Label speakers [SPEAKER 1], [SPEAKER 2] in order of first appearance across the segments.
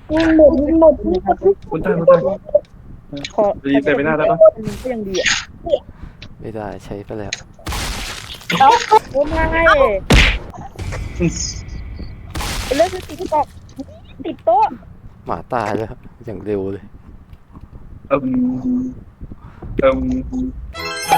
[SPEAKER 1] หมด
[SPEAKER 2] คุณตาย
[SPEAKER 1] ขอ
[SPEAKER 2] รีเซ็ตไปหน้าได้ปะ
[SPEAKER 1] มันก็ยังดีอ่ะ
[SPEAKER 3] ไม่ได้ใช้ไปแล้ว
[SPEAKER 1] โอ้ไม่เลิกติดตอกติดโต๊ะ
[SPEAKER 3] หมาตายแล้วอย่างเร็วเลย
[SPEAKER 2] เอิ่มเอิ่ม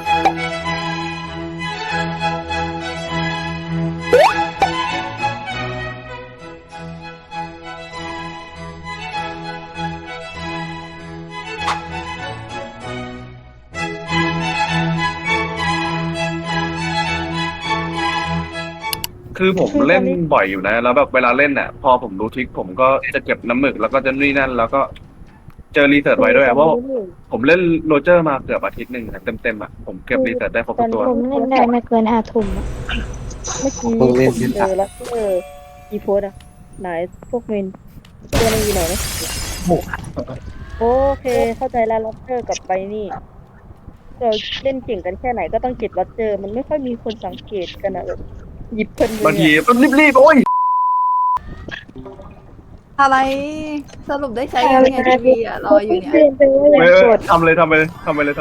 [SPEAKER 2] คือผมเล่นบ่อยอยู่นะแล้วแบบเวลาเล่นพอผมรู้ทริคผมก็จะเก็บน้ำหมึกแล้วก็จะนี่นั่นแล้วก็เจอรีเสิร์ชไว้ด้วยเพราะผมเล่นโรเจอร์มาเกือบอาทิตย์หนึ่งเต็มผมเก็บรีเสิร์ชได้ครบทุกตัว
[SPEAKER 4] ผมเล่นได้ไม่เกิน5 ทุ่มอะ
[SPEAKER 1] เมื่อกี้ผมเจอแล้วอีโพสอ่ะไหนพวกเมนตัวนึงอยู่ไหนนะโอเคเข้าใจแล้วล็อตเจอร์กับไปนี่เราเล่นเก่งกันแค่ไหนก็ต้องเก็บล็อตเจอร์มันไม่ค่อยมีคนสังเกตกันอ่ะหยิบเพลิน
[SPEAKER 2] บางทีต้องรีบโอ้ย
[SPEAKER 5] อะไรสรุปได้ใช้ยังไงทีวีอ่ะรออยู่เนี่ย
[SPEAKER 2] ทำเลยทำไปเลย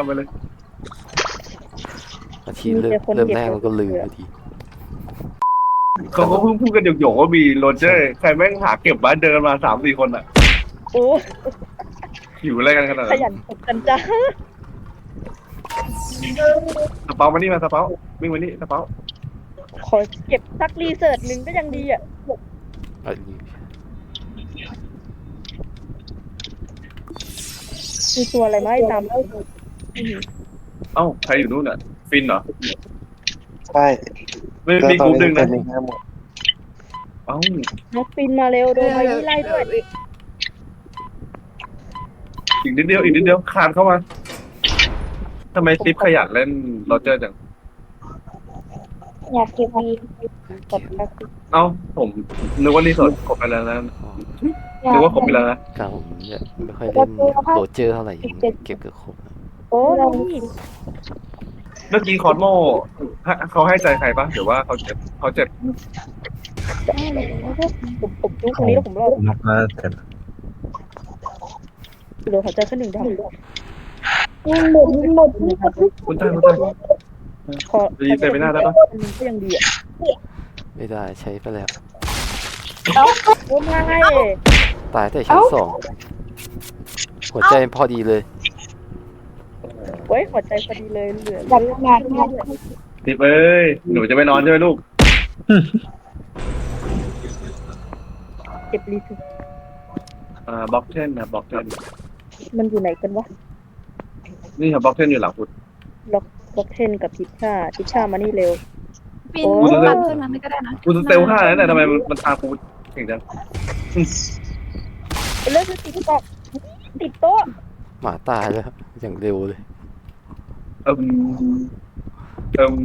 [SPEAKER 3] อาทิตย์เริ่มแรกมันก็ลืมพอดี
[SPEAKER 2] เขาก็เพิ่งพูดกันหยกๆว่ามีโรเจอร์ใครแม่งหาเก็บบ้านเดินมา3-4 คนอ่ะ
[SPEAKER 1] โอ้
[SPEAKER 2] หิวอะไรกันขนาด
[SPEAKER 1] ข
[SPEAKER 2] นั้น
[SPEAKER 1] ยันตกกันจ้า
[SPEAKER 2] สเปามานี่มาสเปาวิ่งมานี่สเปา
[SPEAKER 1] ขอเก็บสักรีเสิร์ชหนึ่งก็ยังดีอ่ะ
[SPEAKER 3] อันนี้
[SPEAKER 1] มีตัวอะไรมาให้ตามแล้ว
[SPEAKER 2] เอ้าใครอยู่นู่นอ่ะฟินเหรอ
[SPEAKER 6] ใช่
[SPEAKER 2] ไม่มีกลุ่มหนึ่งนะ
[SPEAKER 6] เป็นหมด
[SPEAKER 2] เอ้า
[SPEAKER 1] น้องฟินมาเร็วโดนไว้ไล่ด้วย
[SPEAKER 2] อีกนิดเดียวคานเข้ามาทำไมซิปขยันเล่นโรเจอร์จัง
[SPEAKER 4] อยากเก็บวี
[SPEAKER 1] กดแอค
[SPEAKER 2] เอ้าผมนึกว่ารีสอร์ทครบไปแล้วนะ
[SPEAKER 3] อ๋อ
[SPEAKER 2] นึกว่าครบไปแล้วนะ
[SPEAKER 3] การผมเนี่ยไม่ค่อยเล่นโรเจอร์เท่าไหร่เก็บเกือบครบแล้ว
[SPEAKER 1] โอ้นี่
[SPEAKER 2] เมื่อกี้คอสโมเขาให้ใจใครปะหรือว่าเขาเจ็บ
[SPEAKER 1] ผมดูตรงนี้แล้วผมรอด
[SPEAKER 6] ผมมาแต่
[SPEAKER 1] เหลือหัวใจแค่หนึ่งดาว
[SPEAKER 2] คุณตาย
[SPEAKER 1] ขอ
[SPEAKER 2] รีเซ็ตไปหน้าได้ปะ
[SPEAKER 1] มันก็ยังดีอ่ะ
[SPEAKER 3] ไม่ได้ใช้ไปแล้ว
[SPEAKER 1] โอ้ไม่
[SPEAKER 3] ตายแต่ชั้น2หัวใจพอดีเลย
[SPEAKER 1] ไว้หัวใจพอดีเลยเหลือ
[SPEAKER 4] แบบงาน
[SPEAKER 2] ซิปเอ้ยหนูจะไปนอนใช่ไหมลูก
[SPEAKER 1] เก็บรีเสิร์ช
[SPEAKER 2] บล็อกเทนนะบล็อกเทน
[SPEAKER 1] มันอยู่ไหนกันวะ
[SPEAKER 2] นี่ครับบล็อกเทนอยู่หลังคุณ
[SPEAKER 1] ล็อกเทนกับทิชามานี่เร็ว
[SPEAKER 5] ปิน
[SPEAKER 1] โอ้
[SPEAKER 5] ปันขึ้นมาไม่ก็ได้นะ
[SPEAKER 2] คุณสเตล5แล้วเนี่ยทำไมมันตามกูเก่งจัง
[SPEAKER 1] เลิกติดตอกติดโต๊ะ
[SPEAKER 3] หมาตายแล้วอย่างเร็วเลย
[SPEAKER 2] เอิ่มเอิ่ม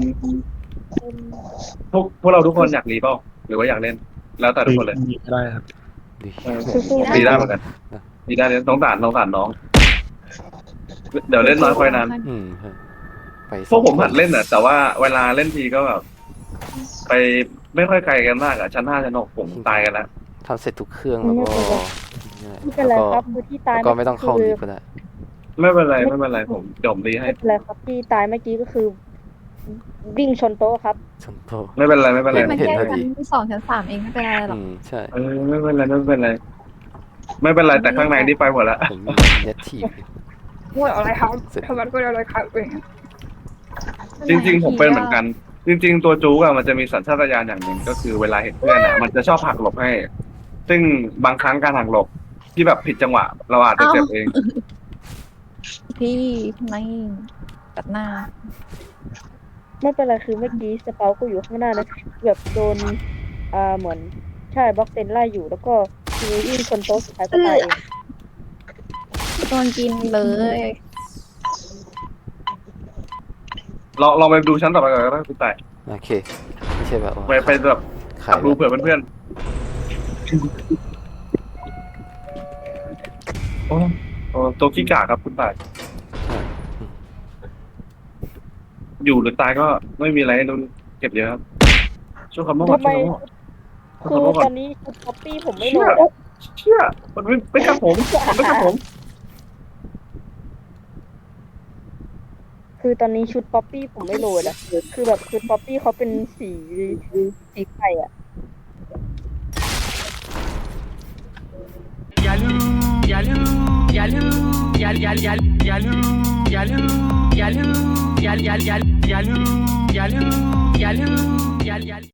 [SPEAKER 2] พวกเราทุกคนอยากรีเปล่าหรือว่าอยากเล่น แล้วแต่ทุกคนเลย
[SPEAKER 6] ได้ครับ
[SPEAKER 3] ดี
[SPEAKER 1] สู้ๆ
[SPEAKER 2] รีได้เหมือนกันรีได้เลยสงสารน้อง เดี๋ยวเล่นน้อยค่อยนาน
[SPEAKER 3] อืมฮะไป
[SPEAKER 2] พวกผมหัดเล่นแต่ว่าเวลาเล่นทีก็แบบไปไม่ค่อยไกลกันมากชั้น5ชั้น6ผมตายกันแล้ว
[SPEAKER 3] ทำเสร็จทุกเครื่องแล้วก็
[SPEAKER 1] ไม่เป็นไรครับคือที่ตาย
[SPEAKER 3] แล้วก็ไม่ต้องเข้าลิฟต์ก็ได้
[SPEAKER 2] ไม่เป็นไรผมจมรีให้
[SPEAKER 1] ไม่เป็นไรครับที่ตายเมื่อกี้ก็คือ วิ่งชนโต๊ะครับ
[SPEAKER 3] ชนโต
[SPEAKER 2] ไม่เป็นไร
[SPEAKER 5] มันแค่ชั้น2ชั้น3เองไม่เป็นไรหรอก
[SPEAKER 3] ใช่
[SPEAKER 2] ไม่เป็นไรแต่ข้างในนี่ไปหมดแล้ว
[SPEAKER 3] ผมเน็ตทีฟ
[SPEAKER 5] พูดอะไรครับ
[SPEAKER 3] เสร็จ
[SPEAKER 5] ทำไมพูดอะไรครับเอง
[SPEAKER 2] จริงๆผมเป็นเหมือนกัน จริง ๆ ตัวจู๊มันจะมีสัญชาตญาณอย่างหนึ่งก็คือเวลาเห็นเพื่อนมันจะชอบหักหลบให้ ซึ่งบางครั้งการหักหลบที่แบบผิดจังหวะ เราอาจจะเจ็บเอง
[SPEAKER 5] พี่ไม่ตัดหน้า
[SPEAKER 1] ไม่เป็นไรคือเมื่อกี้สเปาก็อยู่ข้างหน้านะแบบโดนเหมือนใช่บล็อกเซนไล่อยู่แล้วก็คือวิ่งชนโต๊ะสุดท้ายก็ตายเอง
[SPEAKER 5] โดนกินเลย
[SPEAKER 2] ลองไปดูชั้นต่อไปก่อนก็ได้คุณต่าย
[SPEAKER 3] โอเคไม่ใช่แบบว่า
[SPEAKER 2] ไปแบบ
[SPEAKER 3] ขา
[SPEAKER 2] ขั
[SPEAKER 3] ย
[SPEAKER 2] บดูเผื่อเพื่อนๆโอ้ตัวขี้กากครับคุณต่าย อยู่หรือตายก็ไม่มีอะไรให้ลุ้นเก็บเยอะครับช่วยคำโม่ก่อน
[SPEAKER 1] ทำไม
[SPEAKER 2] ช่วยคำโม่ก่อน
[SPEAKER 1] คือตอนนี้คือป๊อปปี้ผมไม่โหลด
[SPEAKER 2] เชี่ยมันไม่กับผมมันไม่กับผม
[SPEAKER 1] คือตอนนี้ชุดป๊อปปี้ผมไม่โหลดอะคือแบบชุดป๊อปปี้เขาเป็นสีไข่อะ
[SPEAKER 7] Yalu,